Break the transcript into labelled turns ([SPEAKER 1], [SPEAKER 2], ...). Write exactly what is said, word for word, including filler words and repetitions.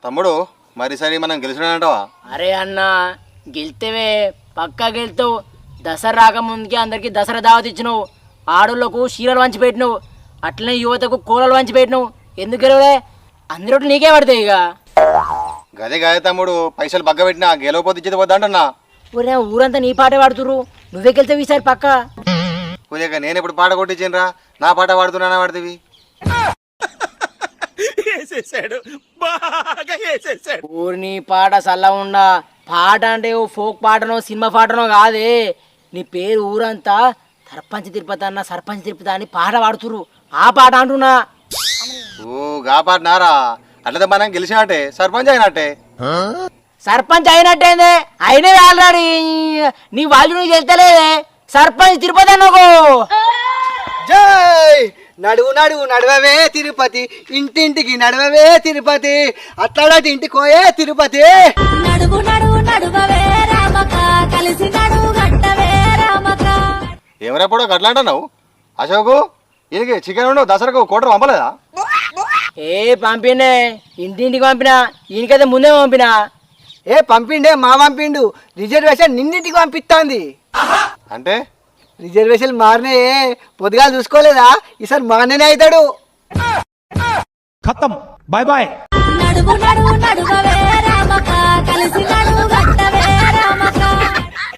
[SPEAKER 1] తమ్ముడు మరి సరే మనం గెలిచినాడంటావా?
[SPEAKER 2] అరే అన్న గెలితేవే పక్కా గెలుతావు. దసరా రాకముందుకే అందరికి దసరా దావత్ ఇచ్చినావు, ఆడోళ్ళకు చీరలు వంచి పెట్టినావు, అట్లనే యువతకు కూలలు వంచి పెట్టినావు. ఎందుకు గెలవలే? అందరూ నీకే పడతాయి. ఇక
[SPEAKER 1] గదే గదే తమ్ముడు, పైసలు బగ్గ పెట్టినా గెలవపోతే ఇచ్చేది వద్దా అంటున్నా.
[SPEAKER 2] ఊరే ఊరంతా నీ పాటే పాడుతురు, నువ్వే గెలుతావు ఈసారి పక్క.
[SPEAKER 1] పూజగా నేను ఎప్పుడు పాట కొట్టించినరా? నా పాట పాడుతున్నానా పాడుతుంది?
[SPEAKER 2] ఊరిని పాట సల్ల ఉండా. పాట అంటే ఓ ఫోక్ పాటనో సినిమా పాటనో కాదే. నీ పేరు ఊరంతా సర్పంచ్ తిరుపతి అన్న సర్పంచ్ తిరుపతి అని పాట పాడుతురు, ఆ పాట అంటున్నా.
[SPEAKER 1] ఓ గా పాట నారా? అట్లయితే మనం గెలిచినట్టే, సర్పంచ్ అయినట్టే.
[SPEAKER 2] సర్పంచ్ అయినట్టేందే? అయినే ఆల్రెడీ. నీ వాళ్ళు నీకు తెలుస్తలేదే, సర్పంచ్ తిరుపతి అన్నకో.
[SPEAKER 3] జై నడువు నడువు నడవవే తిరుపతి, ఇంటింటికి నడవవే తిరుపతి, అట్లాంటి ఇంటికి పోయే తిరుపతి.
[SPEAKER 4] నడువు నడువు నడువవే రామక, కలిసి నడువు గట్టవే రామక.
[SPEAKER 1] ఎవరెప్పుడో గట్లా అంటున్నావు అశోకు? ఈయనకి చికెన్ ఉండవు దసరాకు కోటర్ పంపలేదా?
[SPEAKER 2] ఏ పంపినే, ఇంటింటికి పంపినా, ఈయనకైతే ముందే పంపినా.
[SPEAKER 3] ఏ పంపిండే మా పంపిండు, రిజర్వేషన్ నిన్నింటికి పంపిస్తాంది.
[SPEAKER 1] అంటే
[SPEAKER 3] రిజర్వేషన్ మారినే పొద్దుగా చూసుకోలేదా? ఈసారి మారనే అవుతాడు.
[SPEAKER 5] ఖతం, బాయ్ బాయ్.
[SPEAKER 4] నడువు నడువు నడువవే రామక, కలిసి నడువు గట్టవే రామక.